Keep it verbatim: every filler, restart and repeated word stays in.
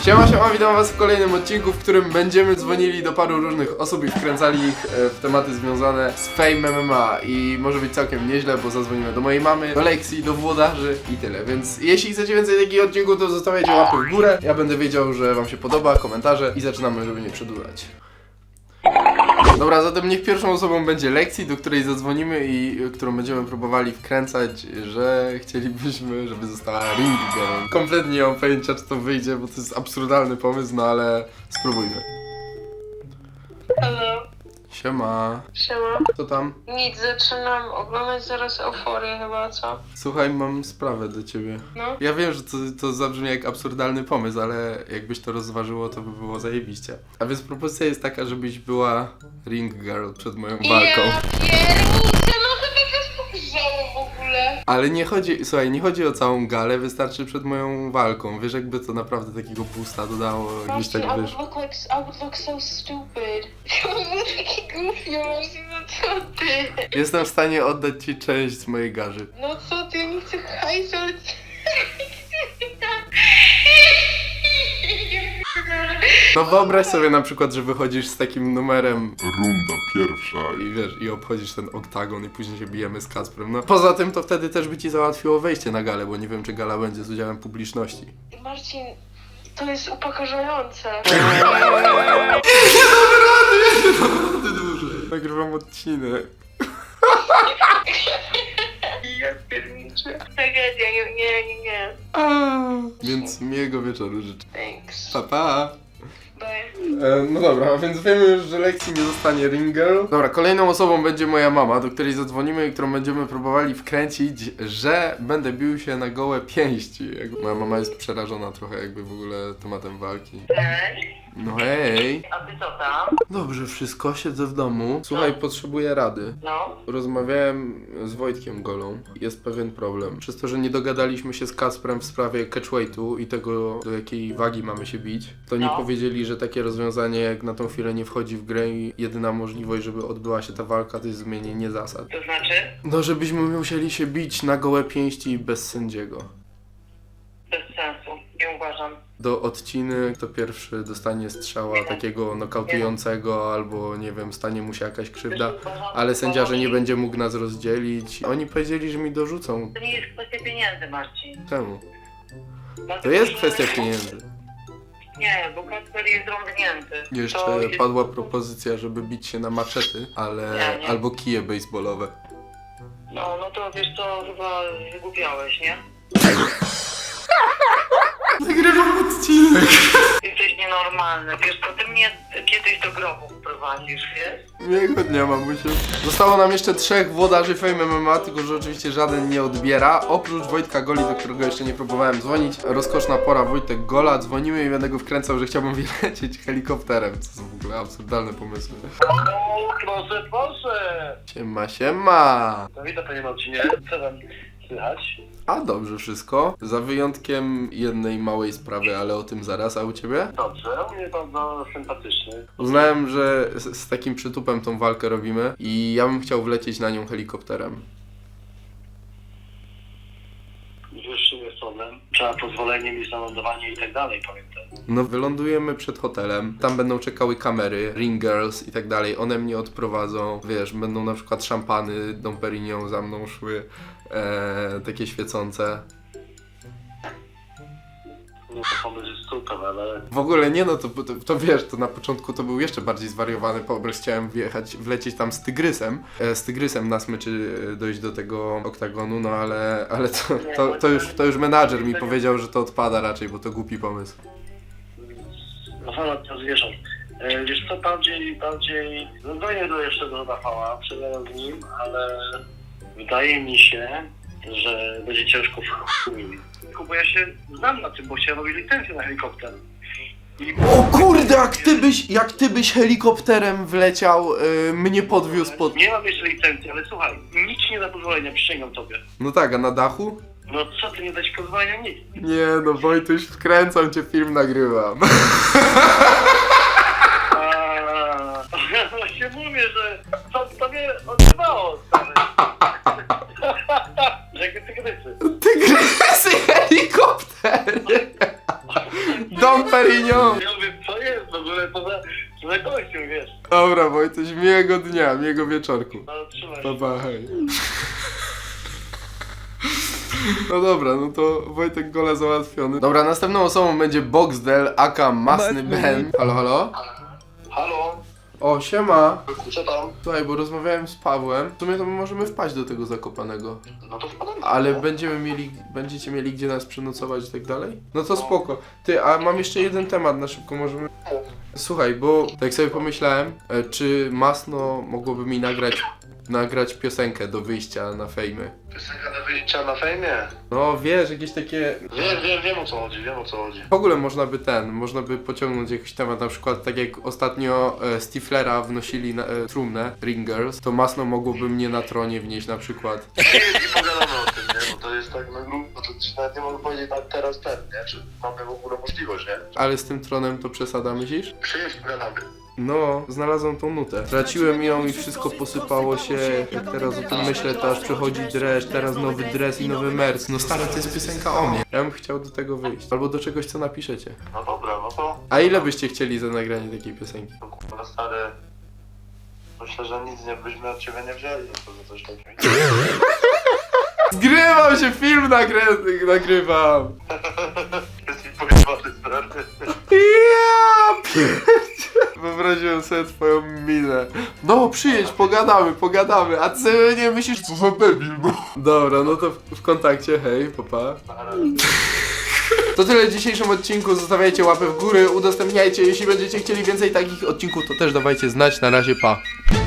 Siema, siema, witam was w kolejnym odcinku, w którym będziemy dzwonili do paru różnych osób i wkręcali ich w tematy związane z Fame M M A. I może być całkiem nieźle, bo zadzwonimy do mojej mamy, do Lexi, do włodarzy i tyle. Więc jeśli chcecie więcej takich odcinków, to zostawiajcie łapy w górę. Ja będę wiedział, że wam się podoba, komentarze i zaczynamy, żeby nie przedłużać. Dobra, zatem niech pierwszą osobą będzie Lexi, do której zadzwonimy i którą będziemy próbowali wkręcać, że chcielibyśmy, żeby została ring girl. Kompletnie nie mam pojęcia, czy to wyjdzie, bo to jest absurdalny pomysł, no ale spróbujmy. Hello. Siema. Siema. Co tam? Nic, zaczynam oglądać zaraz Euforię chyba, co? Słuchaj, mam sprawę do ciebie. No. Ja wiem, że to, to zabrzmi jak absurdalny pomysł, ale jakbyś to rozważyło, to by było zajebiście. A więc propozycja jest taka, żebyś była ring girl przed moją walką. Ja pierniczę, no chyba też pogrzało w ogóle. Ale nie chodzi, słuchaj, nie chodzi o całą galę, wystarczy przed moją walką. Wiesz, jakby to naprawdę takiego boosta dodało, jakbyś Marcin, tak I wiesz. would look like, I would look so stupid. Ja bym był taki goofy, Marcin, no co ty? Jestem w stanie oddać ci część z mojej garzy. No co ty, ja nie chcę hajsu, ale... No wyobraź sobie na przykład, że wychodzisz z takim numerem Runda pierwsza. i wiesz, i obchodzisz ten oktagon i później się bijemy z Kacprem. No poza tym to wtedy też by ci załatwiło wejście na galę, bo nie wiem, czy gala będzie z udziałem publiczności. Marcin, to jest upokarzające. Ty dłużej. Nagrywam odcinek. Ja pierniczę. Tragedia, nie, nie, nie, nie. A, więc miłego wieczoru życzę. Thanks. Pa, pa. Bye. E, no dobra, a więc wiemy już, że Lexi nie zostanie ring girl. Dobra, kolejną osobą będzie moja mama, do której zadzwonimy i którą będziemy próbowali wkręcić, że będę bił się na gołe pięści. Jakby moja mama jest przerażona trochę jakby w ogóle tematem walki. Cześć, No hej. a ty co tam? Dobrze, wszystko, siedzę w domu. Słuchaj, potrzebuję rady. No, Rozmawiałem z Wojtkiem Golą. Jest pewien problem. Przez to, że nie dogadaliśmy się z Kacprem w sprawie catchweightu i tego, do jakiej wagi mamy się bić, to nie No. powiedzieli, że takie rozwiązanie jak na tą chwilę nie wchodzi w grę i jedyna możliwość, żeby odbyła się ta walka, to jest zmienienie zasad. to znaczy? No, żebyśmy musieli się bić na gołe pięści bez sędziego. Bez sensu, nie uważam. Do odciny kto pierwszy dostanie strzała takiego nokautującego albo nie wiem, stanie mu się jakaś krzywda, ale sędzia, że nie będzie mógł nas rozdzielić. Oni powiedzieli, że mi dorzucą. To nie jest kwestia pieniędzy, Marcin. Czemu? Dlatego, To jest że- kwestia pieniędzy. Nie, bo Kacper jest rąbnięty. Jeszcze To jest- padła propozycja, żeby bić się na maczety, ale Nie, nie. albo kije baseballowe. No, no to wiesz co, chyba wygłupiałeś, nie? Nagrywam odcinek. Jesteś nienormalny, wiesz co, ty mnie kiedyś do grobu wprowadzisz, wiesz? Miłego dnia, mamusiu. Zostało nam jeszcze trzech włodarzy Fame M M A, tylko że oczywiście żaden nie odbiera. Oprócz Wojtka Goli, do którego jeszcze nie próbowałem dzwonić. Rozkoszna pora, Wojtek Gola. Dzwonimy i będę go wkręcał, że chciałbym wylecieć helikopterem. Co są w ogóle absurdalne pomysły. O, proszę, proszę! Siema, siema. No witam panie Marcinie, co tam słychać? A dobrze wszystko. Za wyjątkiem jednej małej sprawy, ale o tym zaraz. A u ciebie? Dobrze, u mnie bardzo sympatyczny. Uznałem, że z, z takim przytupem tą walkę robimy i ja bym chciał wlecieć na nią helikopterem. Już jest problem. Trzeba pozwolenie mieć na lądowanie i tak dalej, pamiętam. No wylądujemy przed hotelem, tam będą czekały kamery, ring girls i tak dalej, one mnie odprowadzą, wiesz, będą na przykład szampany Dom Perignon za mną szły, e, takie świecące. No to pomysł jest super, ale... W ogóle nie no, to, to, to wiesz, to na początku to był jeszcze bardziej zwariowany pomysł, chciałem wjechać, wlecieć tam z tygrysem, e, z tygrysem na smyczy e, dojść do tego oktagonu, no ale, ale to, to, to, już, to już menadżer mi powiedział, że to odpada raczej, bo to głupi pomysł. No fala to zwierząt. E, wiesz co, bardziej, bardziej... No dojdę do jeszcze do Rafała, przegadam z nim, ale... Wydaje mi się, że będzie ciężko w chuj. Bo ja się znam na tym, bo chciałem robić licencję na helikopter. I... O kurde, jak ty byś, jak ty byś helikopterem wleciał, yy, mnie podwiózł pod... Nie mam jeszcze licencji, ale słuchaj, nic ci nie da pozwolenia, przysięgam tobie. No tak, a na dachu? No co ty, nie dać pozwolenia? Nic. Nie no, Wojtuś, wkręcam cię, film nagrywam. Aaaa, właśnie mówię, że to tobie odbywało, stary. Że jakie tygrysy. Tygrysy helikopter! Dom Perignon! Ja mówię, co jest w ogóle, co za, co za kościół, wiesz? Dobra, Wojtuś, miłego dnia, miłego wieczorku. No, trzymaj Pa, się. pa, hej. No dobra, no to Wojtek gole załatwiony. Dobra, następną osobą będzie Boxdel, aka Masny Ben. Halo, halo? Halo? O, siema. Co tam? Słuchaj, bo rozmawiałem z Pawłem. W sumie to my możemy wpaść do tego Zakopanego. No to wpadamy. Ale będziemy mieli, będziecie mieli gdzie nas przenocować i tak dalej? No to spoko. Ty, a mam jeszcze jeden temat na szybko, możemy... Słuchaj, bo tak sobie pomyślałem, e, czy Masno mogłoby mi nagrać, nagrać piosenkę do wyjścia na fejmy. Piosenka do wyjścia na fejmie? No wiesz, jakieś takie... Wiem, wiem, wiem o co chodzi, wiem o co chodzi. W ogóle można by ten, można by pociągnąć jakiś temat, na przykład tak jak ostatnio e, Stiflera wnosili na e, trumnę, Ringers, to Masno mogłoby mnie na tronie wnieść na przykład. I pogadamy o tym, nie? Bo to jest tak na grubo, to ci nawet nie mogę powiedzieć tak teraz ten, nie? Czy mamy w ogóle możliwość, nie? Ale z tym tronem to przesada, myślisz? Przyjedź, pogadamy. No, znalazłem tą nutę. Traciłem ją i wszystko posypało się. Jak teraz o tym myślę, to aż przychodzi dreszcz, teraz nowy dres i nowy merc. No stary, to jest piosenka o mnie. Ja bym chciał do tego wyjść. Albo do czegoś, co napiszecie. No dobra, no to... A ile byście chcieli za nagranie takiej piosenki? No kurwa stary... Myślę, że nic nie byśmy od ciebie nie wzięli, no to za coś takiego. Zgrywam się, film nagrę nagrywam! Jest mi pojebany, stary. Ja pierdzie. Wyobraziłem sobie twoją minę. No, przyjedź, pogadamy, pogadamy. A ty nie myślisz, co za debil, no. Dobra, no to w, w kontakcie, hej, papa. To tyle w dzisiejszym odcinku, zostawiajcie łapę w górę, udostępniajcie, jeśli będziecie chcieli więcej takich odcinków, to też dawajcie znać, na razie, pa.